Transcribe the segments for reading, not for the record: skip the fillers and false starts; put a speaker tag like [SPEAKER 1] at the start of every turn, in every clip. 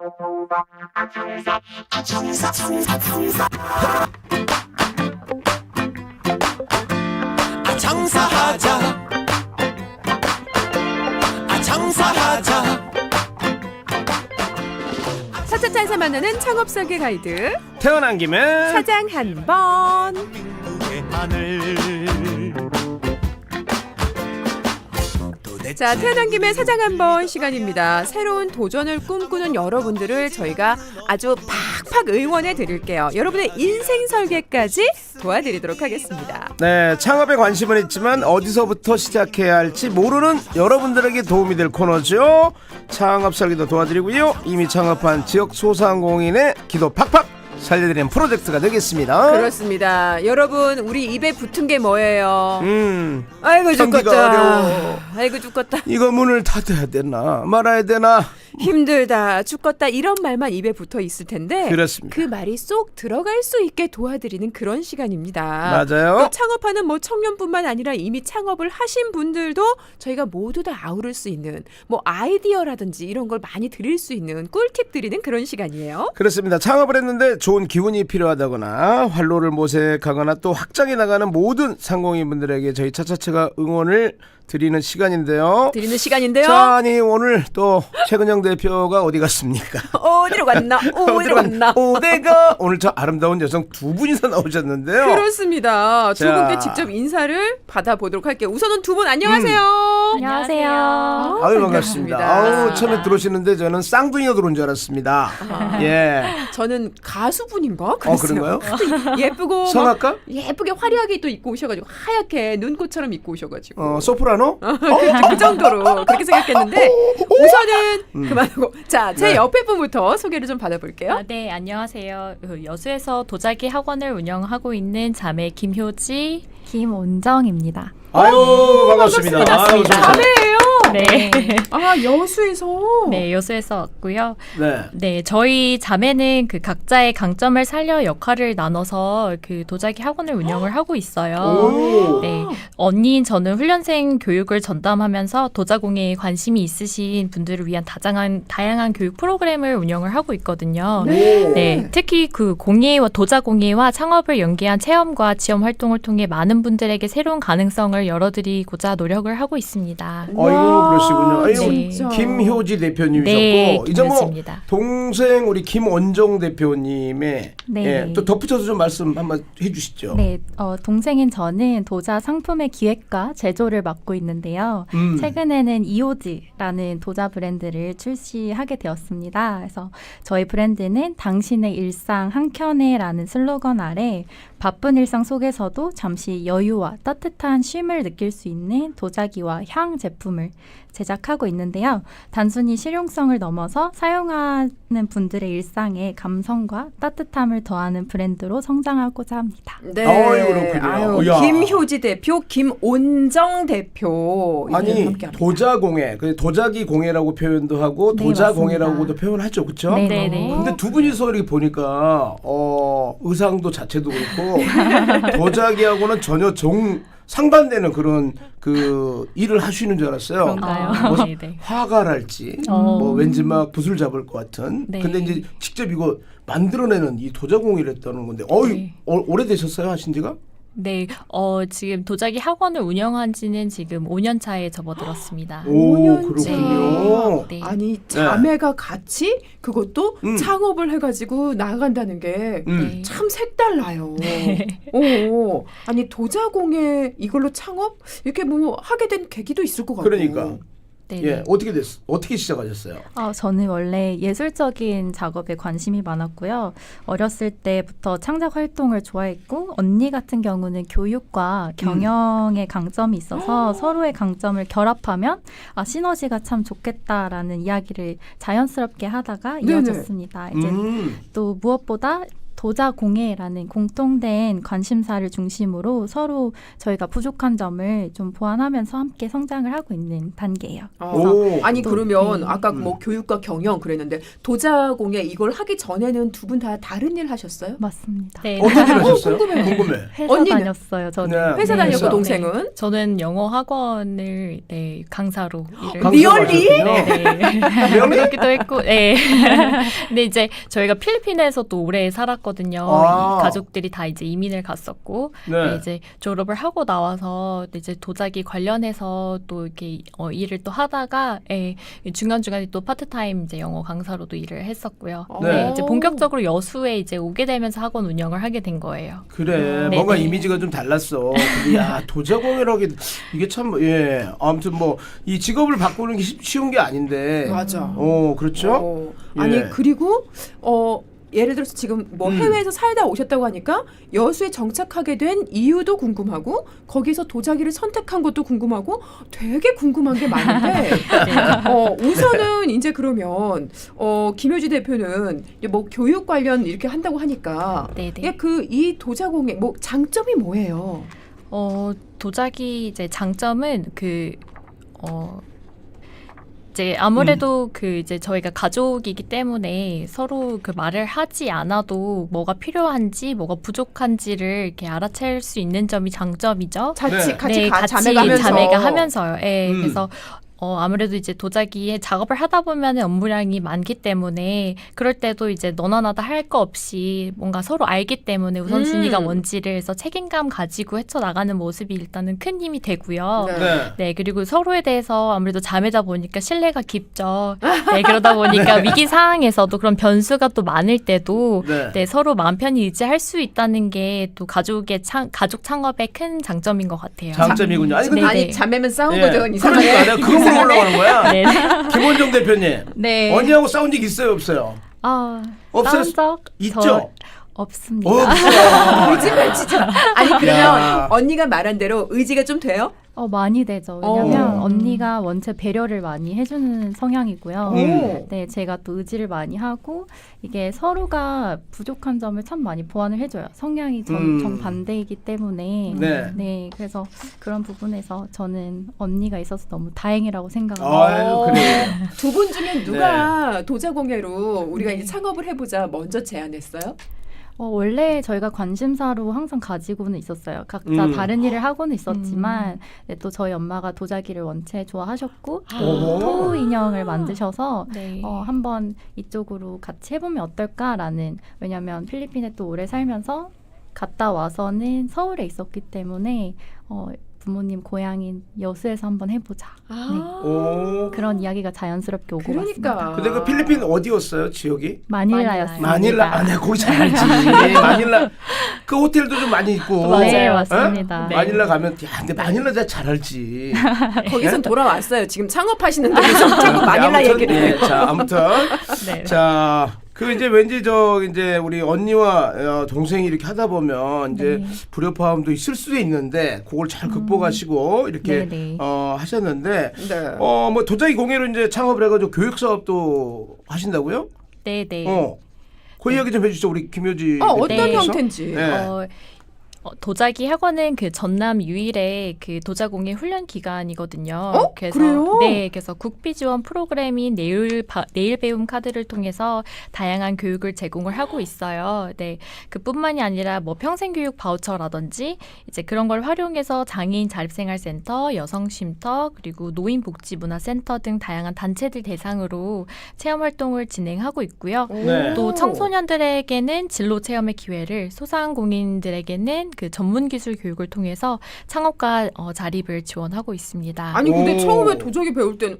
[SPEAKER 1] 장사하자 장사하자.
[SPEAKER 2] 차차차에서 만나는 창업 설계 가이드
[SPEAKER 3] 태어난 김에
[SPEAKER 2] 사장 한번. 자, 태어난 김에 사장 한번 시간입니다. 새로운 도전을 꿈꾸는 여러분들을 저희가 아주 팍팍 응원해 드릴게요. 여러분의 인생 설계까지 도와드리도록 하겠습니다.
[SPEAKER 3] 네, 창업에 관심은 있지만 어디서부터 시작해야 할지 모르는 여러분들에게 도움이 될 코너죠. 창업 설계도 도와드리고요. 이미 창업한 지역 소상공인의 기도 팍팍 살려드리는 프로젝트가 되겠습니다.
[SPEAKER 2] 그렇습니다. 여러분, 우리 입에 붙은 게 뭐예요? 아이고
[SPEAKER 3] 참기가
[SPEAKER 2] 죽겠다.
[SPEAKER 3] 어려워.
[SPEAKER 2] 아이고 죽겠다.
[SPEAKER 3] 이거 문을 닫아야 되나 말아야 되나.
[SPEAKER 2] 힘들다, 죽겠다 이런 말만 입에 붙어 있을 텐데
[SPEAKER 3] 그렇습니다.
[SPEAKER 2] 그 말이 쏙 들어갈 수 있게 도와드리는 그런 시간입니다.
[SPEAKER 3] 맞아요.
[SPEAKER 2] 또 창업하는 청년뿐만 아니라 이미 창업을 하신 분들도 저희가 모두 다 아우를 수 있는 아이디어라든지 이런 걸 많이 드릴 수 있는 꿀팁 드리는 그런 시간이에요.
[SPEAKER 3] 그렇습니다. 창업을 했는데 좋은 기운이 필요하다거나 활로를 모색하거나 또 확장해 나가는 모든 상공인분들에게 저희 차차차가 응원을 드리는 시간인데요. 자, 아니 오늘 또 최근영 대표가 어디 갔습니까?
[SPEAKER 2] 어디로 갔나? 어디로 갔나?
[SPEAKER 3] 어디가? 오늘 저 아름다운 여성 두 분이서 나오셨는데요.
[SPEAKER 2] 그렇습니다. 두
[SPEAKER 3] 자.
[SPEAKER 2] 분께 직접 인사를 받아보도록 할게요. 우선은 두 분 안녕하세요.
[SPEAKER 4] 안녕하세요.
[SPEAKER 3] 아유 반갑습니다. 아우 처음에 들어오시는데 저는 쌍둥이가 들어온 줄 알았습니다. 예.
[SPEAKER 2] 저는 가수분인가? 그랬어요.
[SPEAKER 3] 그런가요?
[SPEAKER 2] 예쁘고
[SPEAKER 3] 성악가?
[SPEAKER 2] 예쁘게 화려하게 또 입고 오셔가지고 하얗게 눈꽃처럼 입고 오셔가지고
[SPEAKER 3] 소프라노?
[SPEAKER 2] 그 정도로 그렇게 생각했는데 우선은 그만하고 자, 제
[SPEAKER 3] 네.
[SPEAKER 2] 옆에 분부터 소개를 좀 받아볼게요.
[SPEAKER 4] 네, 안녕하세요. 여수에서 도자기 학원을 운영하고 있는 자매 김효지, 김온정입니다.
[SPEAKER 3] 아유 반갑습니다. 아유,
[SPEAKER 2] 자매예요.
[SPEAKER 4] 네.
[SPEAKER 2] 아, 여수에서.
[SPEAKER 4] 네, 여수에서 왔고요.
[SPEAKER 3] 네.
[SPEAKER 4] 네, 저희 자매는 그 각자의 강점을 살려 역할을 나눠서 그 도자기 학원을 운영을 하고 있어요.
[SPEAKER 3] 오.
[SPEAKER 4] 네, 언니인 저는 훈련생 교육을 전담하면서 도자공예에 관심이 있으신 분들을 위한 다양한 교육 프로그램을 운영을 하고 있거든요. 네, 특히 그 공예와 도자공예와 창업을 연계한 체험과 지원 활동을 통해 많은 분들에게 새로운 가능성을 열어드리고자 노력을 하고 있습니다.
[SPEAKER 3] 아이고 그러시군요. 아이고
[SPEAKER 4] 네.
[SPEAKER 3] 김효지 대표님이셨고
[SPEAKER 4] 네,
[SPEAKER 3] 이제
[SPEAKER 4] 김효지입니다.
[SPEAKER 3] 동생 우리 김원정 대표님의
[SPEAKER 5] 네.
[SPEAKER 3] 예, 또 덧붙여서 좀 말씀 한번 해주시죠.
[SPEAKER 5] 네, 동생인 저는 도자 상품의 기획과 제조를 맡고 있는데요. 최근에는 이오지라는 도자 브랜드를 출시하게 되었습니다. 그래서 저희 브랜드는 당신의 일상 한켠에라는 슬로건 아래 바쁜 일상 속에서도 잠시 여유와 따뜻한 쉼을 느낄 수 있는 도자기와 향 제품을 제작하고 있는데요. 단순히 실용성을 넘어서 사용하는 분들의 일상에 감성과 따뜻함을 더하는 브랜드로 성장하고자 합니다.
[SPEAKER 2] 네.
[SPEAKER 3] 아유, 그렇군요.
[SPEAKER 2] 아유,
[SPEAKER 3] 야.
[SPEAKER 2] 김효지 대표, 김온정 대표.
[SPEAKER 3] 아니
[SPEAKER 2] 함께합니다.
[SPEAKER 3] 도자공예, 도자기 공예라고 표현도 하고
[SPEAKER 5] 네,
[SPEAKER 3] 도자공예라고도
[SPEAKER 5] 맞습니다.
[SPEAKER 3] 표현하죠, 그렇죠?
[SPEAKER 5] 네,
[SPEAKER 4] 네,
[SPEAKER 5] 네.
[SPEAKER 4] 네.
[SPEAKER 3] 근데 두 분이서 이렇게 보니까 의상도 자체도 그렇고 도자기하고는 전혀 상반되는 그런 그 일을 하시는 줄 알았어요.
[SPEAKER 4] 그런가요?
[SPEAKER 3] 뭐
[SPEAKER 4] 네, 네.
[SPEAKER 3] 화가랄지 뭐 왠지 막 붓을 잡을 것 같은.
[SPEAKER 4] 네.
[SPEAKER 3] 근데 이제 직접 이거 만들어내는 이 도자공예를 했다는 건데
[SPEAKER 4] 네.
[SPEAKER 3] 오래되셨어요 하신 지가?
[SPEAKER 4] 네, 지금 도자기 학원을 운영한 지는 지금 5년 차에 접어들었습니다.
[SPEAKER 3] 오
[SPEAKER 2] 5년째.
[SPEAKER 3] 그렇군요.
[SPEAKER 4] 네.
[SPEAKER 2] 아니, 자매가 같이 그것도 창업을 해가지고 나아간다는 게
[SPEAKER 3] 음.
[SPEAKER 2] 참 색달라요. 오, 아니 도자공예 이걸로 창업 이렇게 하게 된 계기도 있을 것 같고.
[SPEAKER 3] 그러니까.
[SPEAKER 4] 네,
[SPEAKER 3] 예,
[SPEAKER 4] 네.
[SPEAKER 3] 어떻게 시작하셨어요?
[SPEAKER 5] 저는 원래 예술적인 작업에 관심이 많았고요. 어렸을 때부터 창작 활동을 좋아했고 언니 같은 경우는 교육과 경영의 강점이 있어서 서로의 강점을 결합하면 시너지가 참 좋겠다라는 이야기를 자연스럽게 하다가
[SPEAKER 2] 네네.
[SPEAKER 5] 이어졌습니다. 이제 또 무엇보다 도자공예라는 공통된 관심사를 중심으로 서로 저희가 부족한 점을 좀 보완하면서 함께 성장을 하고 있는 단계예요.
[SPEAKER 3] 오.
[SPEAKER 2] 아니 그러면
[SPEAKER 5] 네.
[SPEAKER 2] 아까 뭐 교육과 경영 그랬는데 도자공예 이걸 하기 전에는 두 분 다 다른 일 하셨어요?
[SPEAKER 5] 맞습니다.
[SPEAKER 4] 네.
[SPEAKER 3] 어떤 일 하셨어요?
[SPEAKER 2] 궁금해요.
[SPEAKER 3] 궁금해.
[SPEAKER 5] 회사
[SPEAKER 2] 언니는?
[SPEAKER 5] 다녔어요. 저는.
[SPEAKER 3] 네.
[SPEAKER 2] 회사
[SPEAKER 4] 네.
[SPEAKER 2] 다녔고
[SPEAKER 3] 회사.
[SPEAKER 2] 동생은
[SPEAKER 4] 저는 영어 학원을 네, 강사로 일을
[SPEAKER 2] 리얼리?
[SPEAKER 4] 네. 그렇기도 했고, 네. 근데 이제 저희가 필리핀에서도 오래 살았거든요.
[SPEAKER 3] 아.
[SPEAKER 4] 이 가족들이 다 이제 이민을 갔었고,
[SPEAKER 3] 네.
[SPEAKER 4] 네, 이제 졸업을 하고 나와서 이제 도자기 관련해서 또 이렇게 일을 또 하다가, 예, 중간중간에 또 파트타임 이제 영어 강사로도 일을 했었고요.
[SPEAKER 3] 네.
[SPEAKER 4] 네, 이제 본격적으로 여수에 이제 오게 되면서 학원 운영을 하게 된 거예요.
[SPEAKER 3] 그래
[SPEAKER 4] 네,
[SPEAKER 3] 뭔가
[SPEAKER 4] 네.
[SPEAKER 3] 이미지가 좀 달랐어. 근데 야 도자공예라기 이게 참 예 아무튼 뭐 이 직업을 바꾸는 게 쉬운 게 아닌데.
[SPEAKER 2] 맞아.
[SPEAKER 3] 그렇죠.
[SPEAKER 2] 아니
[SPEAKER 3] 예.
[SPEAKER 2] 그리고 예를 들어서 지금 뭐 해외에서 살다 오셨다고 하니까 여수에 정착하게 된 이유도 궁금하고 거기서 도자기를 선택한 것도 궁금하고 되게 궁금한 게 많은데 우선은 이제 그러면 김효지 대표는 이제 뭐 교육 관련 이렇게 한다고 하니까
[SPEAKER 4] 네네.
[SPEAKER 2] 이 도자공예 뭐 장점이 뭐예요?
[SPEAKER 4] 도자기 이제 장점은 이제 아무래도 이제 저희가 가족이기 때문에 서로 그 말을 하지 않아도 뭐가 필요한지 뭐가 부족한지를 이렇게 알아챌 수 있는 점이 장점이죠.
[SPEAKER 2] 같이
[SPEAKER 4] 자매가
[SPEAKER 2] 자매가
[SPEAKER 4] 하면서요. 예. 그래서 아무래도 이제 도자기에 작업을 하다 보면 업무량이 많기 때문에 그럴 때도 이제 너나 나다 할 거 없이 뭔가 서로 알기 때문에 우선순위가 뭔지를 해서 책임감 가지고 헤쳐나가는 모습이 일단은 큰 힘이 되고요. 네, 그리고 서로에 대해서 아무래도 자매다 보니까 신뢰가 깊죠. 네, 그러다 보니까 위기 상황에서도 그런 변수가 또 많을 때도 네, 서로 마음 편히 의지할 수 있다는 게 또 가족 창업의 큰 장점인 것 같아요.
[SPEAKER 3] 장점이군요. 아니 근데
[SPEAKER 2] 아니 자매면 싸운
[SPEAKER 3] 예.
[SPEAKER 2] 거죠. 이상하게.
[SPEAKER 3] 그러니까 내가 그거 올라가는 거야.
[SPEAKER 4] 네.
[SPEAKER 3] 김원정 대표님.
[SPEAKER 5] 네.
[SPEAKER 3] 언니하고 싸운 적 있어요, 없어요? 없어요?
[SPEAKER 5] 싸운 적
[SPEAKER 3] 있죠?
[SPEAKER 5] 없습니다.
[SPEAKER 3] 없어요.
[SPEAKER 2] 의지발지죠. 아니 그러면 언니가 말한 대로 의지가 좀 돼요?
[SPEAKER 5] 많이 되죠. 왜냐면 언니가 원체 배려를 많이 해주는 성향이고요. 네, 제가 또 의지를 많이 하고 이게 서로가 부족한 점을 참 많이 보완을 해줘요. 성향이 정반대이기 때문에 네, 그래서 그런 부분에서 저는 언니가 있어서 너무 다행이라고 생각합니다.
[SPEAKER 3] 아유, 그래요.
[SPEAKER 2] 두 분 중에 누가 도자공예로 우리가 이제 창업을 해보자 먼저 제안했어요?
[SPEAKER 5] 원래 저희가 관심사로 항상 가지고는 있었어요. 각자 다른 일을 하고는 있었지만 네, 또 저희 엄마가 도자기를 원체 좋아하셨고 또 토 인형을 만드셔서
[SPEAKER 4] 네.
[SPEAKER 5] 한번 이쪽으로 같이 해보면 어떨까라는 왜냐하면 필리핀에 또 오래 살면서 갔다 와서는 서울에 있었기 때문에 부모님 고향인 여수에서 한번 해보자. 네. 그런 이야기가 자연스럽게 오고
[SPEAKER 2] 그러니까.
[SPEAKER 5] 갔습니다.
[SPEAKER 3] 근데 그 필리핀 어디였어요, 지역이?
[SPEAKER 5] 마닐라였습니다.
[SPEAKER 3] 마닐라. 내가 거기 잘 알지. 마닐라. 그 호텔도 좀 많이 있고.
[SPEAKER 5] 네, 맞습니다.
[SPEAKER 3] 네. 마닐라 가면 근데 마닐라 내가 잘 알지.
[SPEAKER 2] 거기선 돌아왔어요. 지금 창업하시는 데서 자꾸 마닐라
[SPEAKER 3] 아무튼,
[SPEAKER 2] 얘기를 해요.
[SPEAKER 3] 자, 아무튼
[SPEAKER 4] 네.
[SPEAKER 3] 자. 이제 왠지 이제 우리 언니와 동생이 이렇게 하다 보면 이제 불협화음도 있을 수도 있는데 그걸 잘 극복하시고 이렇게 하셨는데 뭐 도자기 공예로 이제 창업을 해가지고 교육 사업도 하신다고요?
[SPEAKER 4] 네.
[SPEAKER 3] 그 이야기 좀 해주시죠, 우리 김효지.
[SPEAKER 2] 어떤
[SPEAKER 3] 대표께서.
[SPEAKER 2] 형태인지.
[SPEAKER 3] 네.
[SPEAKER 4] 도자기 학원은 그 전남 유일의 그 도자공예 훈련 기관이거든요.
[SPEAKER 2] 그래요?
[SPEAKER 4] 네, 그래서 국비 지원 프로그램인 내일 배움 카드를 통해서 다양한 교육을 제공을 하고 있어요. 네, 그뿐만이 아니라 뭐 평생교육 바우처라든지 이제 그런 걸 활용해서 장애인 자립생활센터, 여성쉼터 그리고 노인복지문화센터 등 다양한 단체들 대상으로 체험 활동을 진행하고 있고요.
[SPEAKER 3] 네.
[SPEAKER 4] 또 청소년들에게는 진로 체험의 기회를, 소상공인들에게는 그 전문 기술 교육을 통해서 창업과 자립을 지원하고 있습니다.
[SPEAKER 2] 아니 근데 처음에 도자기 배울 때는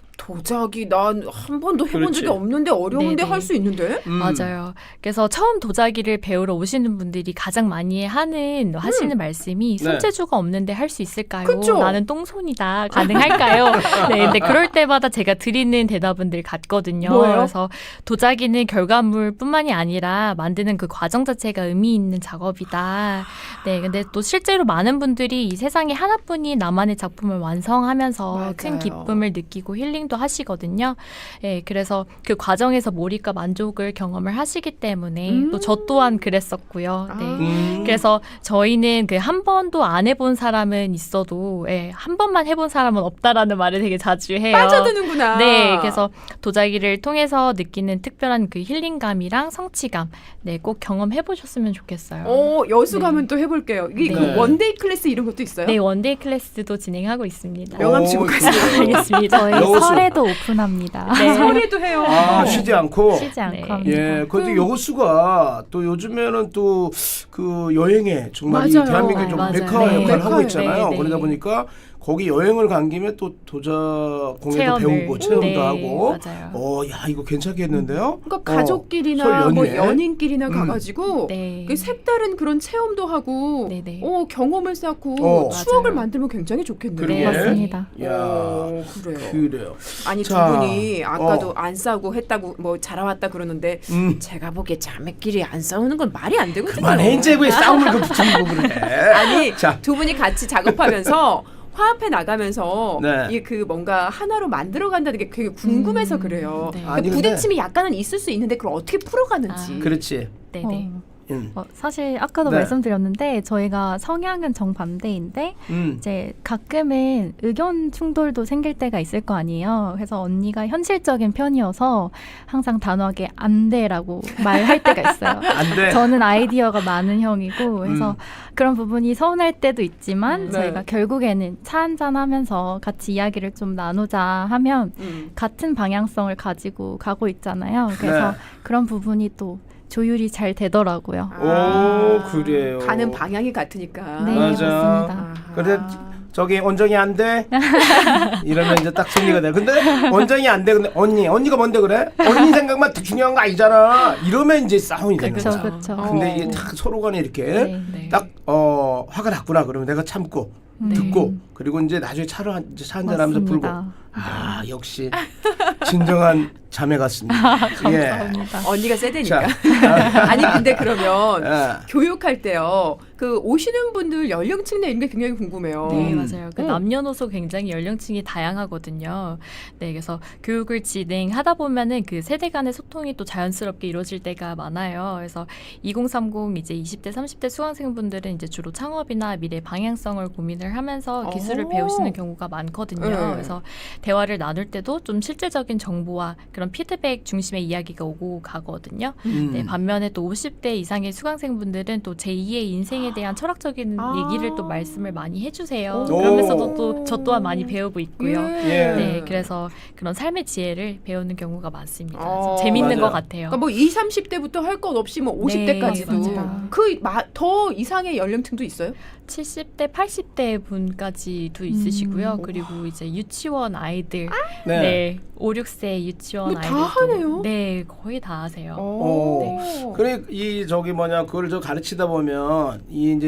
[SPEAKER 2] 도자기 난 한 번도 해본 적이 없는데 어려운데 할 수 있는데?
[SPEAKER 4] 맞아요. 그래서 처음 도자기를 배우러 오시는 분들이 가장 많이 하시는 말씀이 손재주가 없는데 할 수 있을까요?
[SPEAKER 2] 그쵸?
[SPEAKER 4] 나는 똥손이다. 가능할까요? 네, 근데 그럴 때마다 제가 드리는 대답은 늘 같거든요.
[SPEAKER 2] 뭐예요?
[SPEAKER 4] 그래서 도자기는 결과물뿐만이 아니라 만드는 그 과정 자체가 의미 있는 작업이다. 네, 근데 또 실제로 많은 분들이 이 세상에 하나뿐인 나만의 작품을 완성하면서
[SPEAKER 2] 맞아요.
[SPEAKER 4] 큰 기쁨을 느끼고 느끼고 힐링도 하시거든요. 예, 그래서 그 과정에서 몰입과 만족을 경험을 하시기 때문에 또 저 또한 그랬었고요. 네. 그래서 저희는 그 한 번도 안 해본 사람은 있어도 예, 한 번만 해본 사람은 없다라는 말을 되게 자주 해요.
[SPEAKER 2] 빠져드는구나.
[SPEAKER 4] 네, 그래서 도자기를 통해서 느끼는 특별한 그 힐링감이랑 성취감, 네, 꼭 경험해 보셨으면 좋겠어요.
[SPEAKER 2] 여수 가면 또 해볼게요. 이게
[SPEAKER 4] 네.
[SPEAKER 2] 그 원데이 클래스 이런 것도 있어요?
[SPEAKER 4] 네, 원데이 클래스도 진행하고 있습니다.
[SPEAKER 2] 명함 치고 가세요.
[SPEAKER 4] 알겠습니다.
[SPEAKER 5] 저희
[SPEAKER 3] 여수.
[SPEAKER 5] 설에도 오픈합니다.
[SPEAKER 4] 네.
[SPEAKER 2] 설에도 해요.
[SPEAKER 3] 쉬지 않고.
[SPEAKER 5] 쉬지 않고
[SPEAKER 4] 네.
[SPEAKER 5] 합니다.
[SPEAKER 3] 예, 근데 여수가 또 요즘에는 또 그 여행에 정말 이
[SPEAKER 2] 맞아요.
[SPEAKER 3] 대한민국의 좀
[SPEAKER 4] 맞아요.
[SPEAKER 3] 메카
[SPEAKER 4] 네.
[SPEAKER 3] 역할을 하고
[SPEAKER 2] 메카예요.
[SPEAKER 3] 있잖아요.
[SPEAKER 4] 네, 네.
[SPEAKER 3] 그러다 보니까 거기 여행을 간 김에 또 도자 공예도
[SPEAKER 4] 체험을.
[SPEAKER 3] 배우고 체험도
[SPEAKER 4] 네,
[SPEAKER 3] 하고.
[SPEAKER 4] 맞아요.
[SPEAKER 3] 야 이거 괜찮겠는데요?
[SPEAKER 2] 그러니까
[SPEAKER 3] 설
[SPEAKER 2] 가족끼리나 뭐
[SPEAKER 3] 연휴에.
[SPEAKER 2] 연인끼리나 가가지고
[SPEAKER 4] 네.
[SPEAKER 2] 그 색다른 그런 체험도 하고
[SPEAKER 4] 네네.
[SPEAKER 2] 경험을 쌓고 추억을
[SPEAKER 4] 맞아요.
[SPEAKER 2] 만들면 굉장히 좋겠네요.
[SPEAKER 3] 그러게.
[SPEAKER 5] 맞습니다.
[SPEAKER 3] 야,
[SPEAKER 2] 그래요.
[SPEAKER 3] 그래요.
[SPEAKER 2] 아니
[SPEAKER 3] 자,
[SPEAKER 2] 두 분이 아까도 안 싸우고 했다고 뭐 자라왔다 그러는데 제가 보기에 자매끼리 안 싸우는 건 말이 안 되거든요.
[SPEAKER 3] 그만해 이제 왜 싸움을 그 붙이고 그래?
[SPEAKER 2] 아니
[SPEAKER 3] 자.
[SPEAKER 2] 두 분이 같이 작업하면서 화합해 나가면서
[SPEAKER 3] 네.
[SPEAKER 2] 이게 그 뭔가 하나로 만들어 간다는 게 되게 궁금해서 그래요.
[SPEAKER 4] 네.
[SPEAKER 2] 그러니까
[SPEAKER 3] 아니, 근데-
[SPEAKER 2] 부딪힘이 약간은 있을 수 있는데 그걸 어떻게 풀어가는지.
[SPEAKER 3] 그렇지.
[SPEAKER 4] 네네.
[SPEAKER 5] 사실 아까도
[SPEAKER 3] 네.
[SPEAKER 5] 말씀드렸는데 저희가 성향은 정반대인데 이제 가끔은 의견 충돌도 생길 때가 있을 거 아니에요. 그래서 언니가 현실적인 편이어서 항상 단호하게 안 돼라고 말할 때가 있어요.
[SPEAKER 3] 안 돼.
[SPEAKER 5] 저는 아이디어가 많은 형이고 그래서 그런 부분이 서운할 때도 있지만
[SPEAKER 2] 네.
[SPEAKER 5] 저희가 결국에는 차 한잔 하면서 같이 이야기를 좀 나누자 하면 같은 방향성을 가지고 가고 있잖아요. 그래서
[SPEAKER 3] 네.
[SPEAKER 5] 그런 부분이 또 조율이 잘 되더라고요.
[SPEAKER 3] 오, 그래요.
[SPEAKER 2] 가는 방향이 같으니까.
[SPEAKER 5] 네,
[SPEAKER 3] 맞아.
[SPEAKER 5] 맞습니다.
[SPEAKER 2] 아하.
[SPEAKER 3] 근데 저기 원정이 안 돼? 이러면 이제 딱 정리가 돼. 근데 원정이 안 돼. 근데 언니가 뭔데 그래? 언니 생각만 중요한 거 아니잖아. 이러면 이제 싸움이 되는
[SPEAKER 5] 그렇죠,
[SPEAKER 3] 거야.
[SPEAKER 5] 그렇죠.
[SPEAKER 3] 근데 이게 딱 서로 간에 이렇게
[SPEAKER 5] 네.
[SPEAKER 4] 네.
[SPEAKER 3] 딱 화가 났구나. 그러면 내가 참고 듣고 그리고 이제 나중에 차 한잔 하면서 불고. 아, 역시 진정한 자매 같습니다. 예.
[SPEAKER 5] 감사합니다.
[SPEAKER 2] 언니가 세대니까.
[SPEAKER 3] 자.
[SPEAKER 2] 아니 근데 그러면
[SPEAKER 3] 예.
[SPEAKER 2] 교육할 때요. 그 오시는 분들 연령층 내 이런 게 굉장히 궁금해요.
[SPEAKER 4] 네, 맞아요. 그 남녀노소 굉장히 연령층이 다양하거든요. 네, 그래서 교육을 진행하다 보면은 그 세대 간의 소통이 또 자연스럽게 이루어질 때가 많아요. 그래서 2030 이제 20대, 30대 수강생분들은 이제 주로 창업이나 미래 방향성을 고민을 하면서 기술을 배우시는 경우가 많거든요.
[SPEAKER 2] 네.
[SPEAKER 4] 그래서 대화를 나눌 때도 좀 실제적인 정보와 그런 피드백 중심의 이야기가 오고 가거든요. 네, 반면에 또 50대 이상의 수강생분들은 또 제2의 인생에 대한 철학적인 얘기를 또 말씀을 많이 해주세요.
[SPEAKER 2] 오.
[SPEAKER 4] 그러면서도 또 저 또한 많이 배우고 있고요.
[SPEAKER 3] 예.
[SPEAKER 4] 네, 그래서 그런 삶의 지혜를 배우는 경우가 많습니다.
[SPEAKER 2] 어,
[SPEAKER 4] 재밌는
[SPEAKER 3] 맞아요.
[SPEAKER 4] 것 같아요.
[SPEAKER 2] 그러니까 뭐 20, 30대부터 할 것 없이 뭐 50대까지도
[SPEAKER 4] 네, 맞아요.
[SPEAKER 2] 더 이상의 연령층도 있어요?
[SPEAKER 4] 70대, 80대 분까지도 있으시고요. 그리고 이제 유치원 아이들,
[SPEAKER 3] 네.
[SPEAKER 4] 네, 5, 6세 유치원
[SPEAKER 2] 뭐다
[SPEAKER 4] 아이들도
[SPEAKER 2] 하네요?
[SPEAKER 4] 네, 거의 다 하세요.
[SPEAKER 3] 오. 그래 이 저기 그걸 저 가르치다 보면 이 이제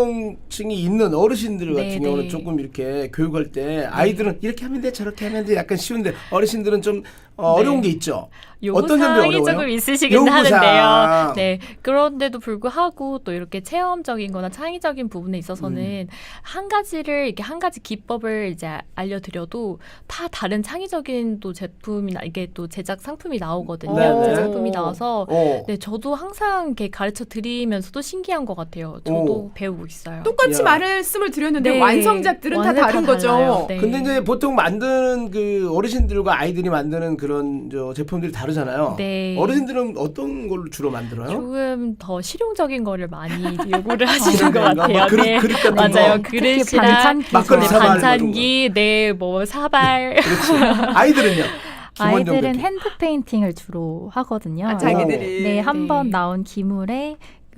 [SPEAKER 3] 연령층이 있는 어르신들 같은
[SPEAKER 4] 네,
[SPEAKER 3] 경우는
[SPEAKER 4] 네.
[SPEAKER 3] 조금 이렇게 교육할 때 아이들은 이렇게 하면 돼 저렇게 하면 돼 약간 쉬운데 어르신들은 좀 어려운 게 있죠. 어떤 점이
[SPEAKER 4] 요구사항이
[SPEAKER 3] 어려워요?
[SPEAKER 4] 조금 있으시긴
[SPEAKER 3] 요구사항.
[SPEAKER 4] 하는데요. 네, 그런데도 불구하고 또 이렇게 체험적인 거나 창의적인 부분에 있어서는 한 가지를 이렇게 한 가지 기법을 이제 알려드려도 다 다른 창의적인 또 제품이나 이게 또 제작 상품이 나오거든요.
[SPEAKER 3] 네네.
[SPEAKER 4] 제작품이 나와서
[SPEAKER 3] 어.
[SPEAKER 4] 네, 저도 항상 이렇게 가르쳐 드리면서도 신기한 것 같아요. 저도 배우고 있어요.
[SPEAKER 2] 똑같이
[SPEAKER 3] 야.
[SPEAKER 2] 말씀을 드렸는데
[SPEAKER 4] 네.
[SPEAKER 2] 완성작들은 다
[SPEAKER 4] 완전
[SPEAKER 2] 다른 거죠.
[SPEAKER 4] 달라요. 네.
[SPEAKER 3] 근데 이제 보통 만드는 그 어르신들과 아이들이 만드는 그런 저 제품들이 다르잖아요.
[SPEAKER 4] 네.
[SPEAKER 3] 어르신들은 어떤 걸로 주로 만들어요?
[SPEAKER 4] 조금 더 실용적인 거를 많이 요구를 하시는 것
[SPEAKER 3] 그런가?
[SPEAKER 4] 같아요.
[SPEAKER 3] 뭐 그릇,
[SPEAKER 4] 네.
[SPEAKER 3] 그릇 같은
[SPEAKER 4] 맞아요.
[SPEAKER 3] 거.
[SPEAKER 4] 그릇이랑
[SPEAKER 5] 반찬기
[SPEAKER 3] 막걸리
[SPEAKER 4] 네,
[SPEAKER 3] 사발
[SPEAKER 4] 반찬기, 네, 뭐 사발.
[SPEAKER 3] 그렇지. 아이들은요? 기본적으로
[SPEAKER 5] 아이들은
[SPEAKER 3] 이렇게.
[SPEAKER 5] 핸드 페인팅을 주로 하거든요.
[SPEAKER 2] 아, 자기들이.
[SPEAKER 5] 네, 한 번
[SPEAKER 4] 네.
[SPEAKER 5] 나온 기물에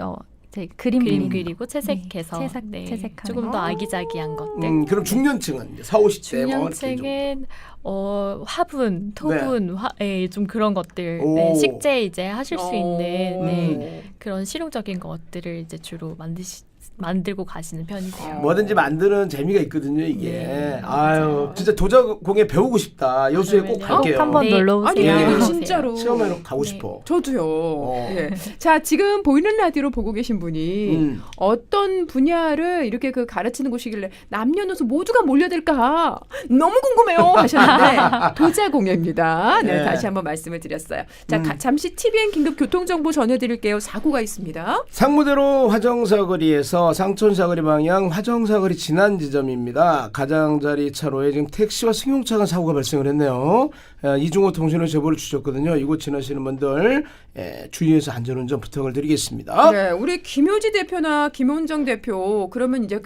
[SPEAKER 5] 이제 그림
[SPEAKER 4] 그림
[SPEAKER 5] 그리는
[SPEAKER 4] 그리고 채색해서
[SPEAKER 5] 네, 채색하는
[SPEAKER 4] 조금 더 아기자기한 것들.
[SPEAKER 3] 그럼 중년층은 이제 4, 50대 뭐 이렇게 좀.
[SPEAKER 4] 중년층은 화분, 토분, 좀 그런 것들,
[SPEAKER 3] 오.
[SPEAKER 4] 식재 이제 하실 수 있는
[SPEAKER 3] 음.
[SPEAKER 4] 그런 실용적인 것들을 이제 주로 만들고 가시는 편이세요.
[SPEAKER 3] 뭐든지 만드는 재미가 있거든요, 이게.
[SPEAKER 4] 네,
[SPEAKER 3] 아유, 진짜 도자공예 배우고 싶다. 여수에 꼭 갈게요.
[SPEAKER 5] 한번
[SPEAKER 4] 네.
[SPEAKER 5] 놀러
[SPEAKER 2] 아니
[SPEAKER 5] 오세요.
[SPEAKER 3] 예.
[SPEAKER 2] 진짜로
[SPEAKER 3] 체험하러 가고 싶어.
[SPEAKER 2] 저도요. 예. 자, 지금 보이는 라디오로 보고 계신 분이 어떤 분야를 이렇게 그 가르치는 곳이길래 남녀노소 모두가 몰려들까 너무 궁금해요 하셨는데 도자공예입니다. 네,
[SPEAKER 3] 네.
[SPEAKER 2] 다시 한번 말씀을 드렸어요. 자, 잠시 TVN 긴급 교통정보 전해드릴게요. 사고가 있습니다.
[SPEAKER 3] 상무대로 화정사거리에서 상촌사거리 방향 화정사거리 지난 지점입니다. 가장자리 차로에 지금 택시와 승용차가 사고가 발생을 했네요. 이중호 통신원 제보를 주셨거든요. 이곳 지나시는 분들 주의해서 안전운전 부탁을 드리겠습니다.
[SPEAKER 2] 네, 우리 김효지 대표나 김원정 대표 그러면 이제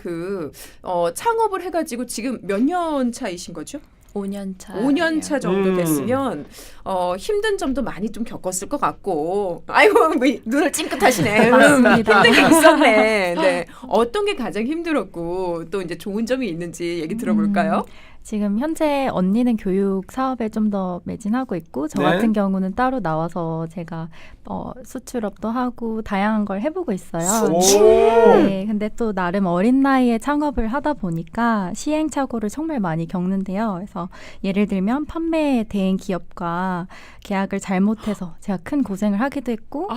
[SPEAKER 2] 창업을 해가지고 지금 몇 년 차이신 거죠?
[SPEAKER 4] 5년 차.
[SPEAKER 2] 5년 차 정도 됐으면 힘든 점도 많이 좀 겪었을 것 같고 아이고 뭐 눈을 찡긋하시네.
[SPEAKER 5] 맞습니다.
[SPEAKER 2] 힘든 게 있었네. 네. 어떤 게 가장 힘들었고 또 이제 좋은 점이 있는지 얘기 들어볼까요?
[SPEAKER 5] 지금 현재 언니는 교육 사업에 좀 더 매진하고 있고 저
[SPEAKER 3] 네.
[SPEAKER 5] 같은 경우는 따로 나와서 제가 수출업도 하고 다양한 걸 해보고 있어요. 네, 근데 또 나름 어린 나이에 창업을 하다 보니까 시행착오를 정말 많이 겪는데요. 그래서 예를 들면 판매 대행 기업과 계약을 잘못해서 제가 큰 고생을 하기도 했고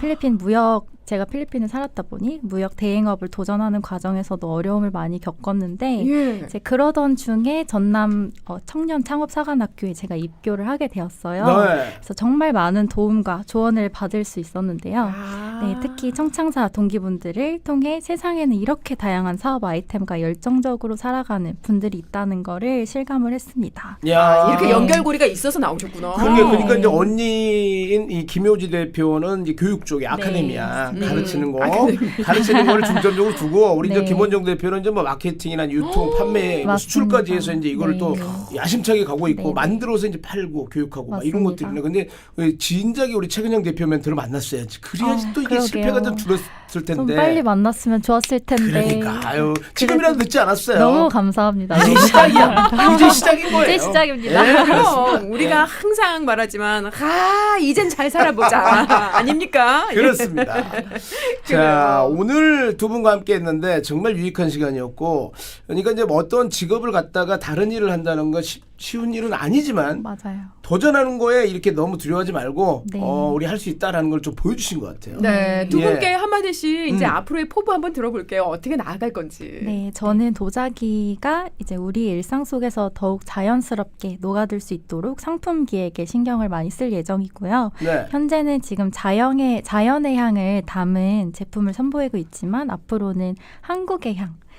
[SPEAKER 5] 제가 필리핀에 살았다 보니 무역 대행업을 도전하는 과정에서도 어려움을 많이 겪었는데
[SPEAKER 2] 예.
[SPEAKER 5] 이제 그러던 중에 전남 청년 창업사관학교에 제가 입교를 하게 되었어요.
[SPEAKER 3] 네.
[SPEAKER 5] 그래서 정말 많은 도움과 조언을 받을 수 있었는데요.
[SPEAKER 2] 아.
[SPEAKER 5] 네, 특히 청창사 동기분들을 통해 세상에는 이렇게 다양한 사업 아이템과 열정적으로 살아가는 분들이 있다는 거를 실감을 했습니다.
[SPEAKER 3] 야,
[SPEAKER 2] 이렇게 연결고리가 있어서 나오셨구나.
[SPEAKER 3] 그러니까 이제 언니인 이 김효지 대표는 이제 교육 쪽에 아카데미아 가르치는 거, 가르치는 거를 중점적으로 두고 우리 이제
[SPEAKER 5] 네.
[SPEAKER 3] 김원정 대표는 이제 뭐 마케팅이나 유통, 판매, 뭐
[SPEAKER 5] 맞습니다.
[SPEAKER 3] 수출까지 해서 이제 이거를
[SPEAKER 5] 네.
[SPEAKER 3] 또 야심차게 가고 있고
[SPEAKER 5] 네.
[SPEAKER 3] 만들어서 이제 팔고 교육하고 막 이런
[SPEAKER 5] 맞습니다.
[SPEAKER 3] 것들이네. 근데 진작에 우리 최근영 대표 멘토를 만났어야지. 그래야지 또 이게
[SPEAKER 5] 그러게요.
[SPEAKER 3] 실패가 좀 줄었을 텐데.
[SPEAKER 5] 좀 빨리 만났으면 좋았을 텐데.
[SPEAKER 3] 그러니까 아유 지금이라도 늦지 않았어요.
[SPEAKER 5] 너무 감사합니다.
[SPEAKER 3] 이제 시작이야. 이제 시작인 거예요.
[SPEAKER 5] 이제 시작입니다.
[SPEAKER 3] 예,
[SPEAKER 2] 그럼 우리가 항상 말하지만 이젠 잘 살아보자 아닙니까?
[SPEAKER 3] 그렇습니다. 자, 오늘 두 분과 함께 했는데 정말 유익한 시간이었고, 그러니까 이제 뭐 어떤 직업을 갖다가 다른 일을 한다는 건 쉬운 일은 아니지만
[SPEAKER 5] 맞아요.
[SPEAKER 3] 도전하는 거에 이렇게 너무 두려워하지 말고
[SPEAKER 5] 네.
[SPEAKER 3] 우리 할 수 있다라는 걸 좀 보여주신 것 같아요.
[SPEAKER 2] 네, 두
[SPEAKER 3] 예.
[SPEAKER 2] 분께 한마디씩 이제 앞으로의 포부 한번 들어볼게요. 어떻게 나아갈 건지.
[SPEAKER 5] 네, 저는 도자기가 이제 우리 일상 속에서 더욱 자연스럽게 녹아들 수 있도록 상품 기획에 신경을 많이 쓸 예정이고요.
[SPEAKER 3] 네.
[SPEAKER 5] 현재는 지금 자연의 향을 담은 제품을 선보이고 있지만 앞으로는 한국의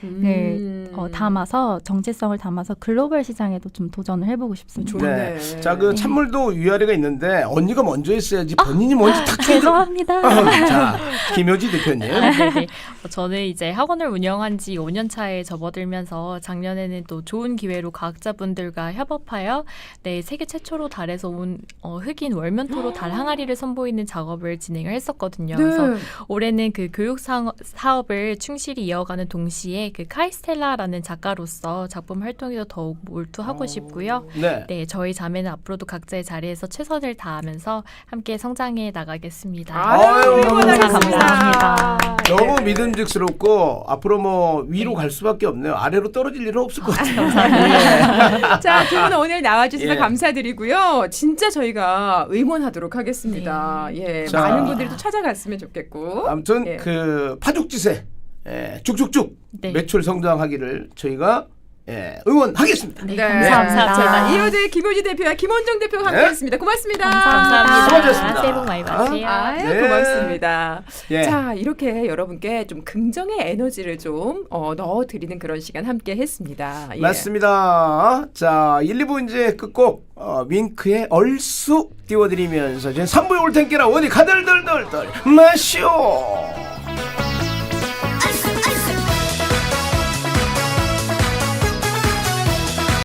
[SPEAKER 5] 향을 담아서 정체성을 담아서 글로벌 시장에도 좀 도전을 해보고 싶습니다.
[SPEAKER 2] 좋네.
[SPEAKER 3] 네. 자, 그 찬물도 위아래가 있는데 언니가 먼저 했어야지 본인이 먼저 탁
[SPEAKER 5] 죄송합니다.
[SPEAKER 3] 자, 김효지 대표님.
[SPEAKER 4] 네네. 저는 이제 학원을 운영한 지 5년 차에 접어들면서 작년에는 또 좋은 기회로 과학자분들과 협업하여 세계 최초로 달에서 온 흑인 월면토로 달 항아리를 선보이는 작업을 진행을 했었거든요.
[SPEAKER 2] 네.
[SPEAKER 4] 그래서 올해는 그 교육 사업을 충실히 이어가는 동시에 그 카이스텔라라는 작가로서 작품 활동에도 더욱 몰두하고 싶고요.
[SPEAKER 3] 네.
[SPEAKER 4] 저희 자매는 앞으로도 각자의 자리에서 최선을 다하면서 함께 성장해 나가겠습니다.
[SPEAKER 3] 아유,
[SPEAKER 5] 감사합니다.
[SPEAKER 3] 너무 믿음직스럽고 앞으로 뭐 위로 갈 수밖에 없네요. 아래로 떨어질 일은 없을 것 같아요.
[SPEAKER 2] 자, 두 분 오늘 나와주셔서
[SPEAKER 3] 예.
[SPEAKER 2] 감사드리고요. 진짜 저희가 응원하도록 하겠습니다. 예,
[SPEAKER 3] 자.
[SPEAKER 2] 많은 분들이 또 찾아갔으면 좋겠고.
[SPEAKER 3] 아무튼
[SPEAKER 2] 예.
[SPEAKER 3] 그 파죽지세 쭉쭉쭉
[SPEAKER 4] 네.
[SPEAKER 3] 매출 성장하기를 저희가 응원하겠습니다.
[SPEAKER 4] 네,
[SPEAKER 5] 감사합니다.
[SPEAKER 2] 자, 이호재 김효지 대표와 김원정 대표가 함께했습니다. 고맙습니다.
[SPEAKER 4] 감사합니다.
[SPEAKER 3] 수고하셨습니다.
[SPEAKER 4] 새해 복 많이 받으세요.
[SPEAKER 2] 아유,
[SPEAKER 3] 네.
[SPEAKER 2] 고맙습니다.
[SPEAKER 3] 예.
[SPEAKER 2] 자, 이렇게 여러분께 좀 긍정의 에너지를 좀 넣어드리는 그런 시간 함께 했습니다. 예.
[SPEAKER 3] 맞습니다. 자, 1, 2부 이제 끝곡 윙크의 얼쑤 띄워드리면서 이제 3부에 올 텐께라 어디 가들들들들 마시오.